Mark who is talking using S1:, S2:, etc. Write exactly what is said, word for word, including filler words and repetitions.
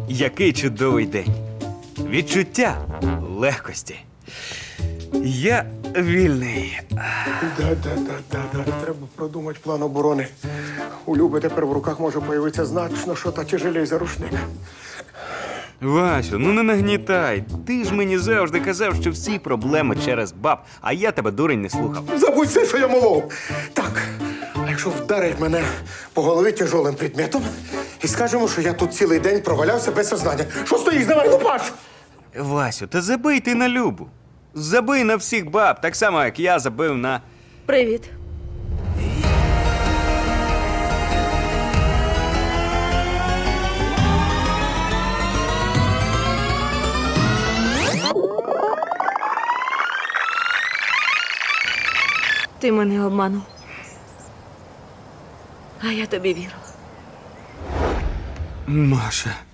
S1: Який чудовий день. Відчуття легкості. Я вільний.
S2: Да-да-да-да-да. Треба продумати план оборони. У Люби тепер в руках може появитися значно, що та тяжелей за рушник.
S1: Васю, ну не нагнітай. Ти ж мені завжди казав, що всі проблеми через баб, а я тебе, дурень, не слухав.
S2: Забудь все, що я молов. Так, а якщо вдарить мене по голові тяжелим предметом і скажемо, що я тут цілий день провалявся без сознання. Що стоїш, давай, лупаш!
S1: Васю, та забий ти на Любу. Забий на всіх баб, так само, як я забив на...
S3: Привіт. Ти мене обманув. А я тобі вірила.
S1: Маша.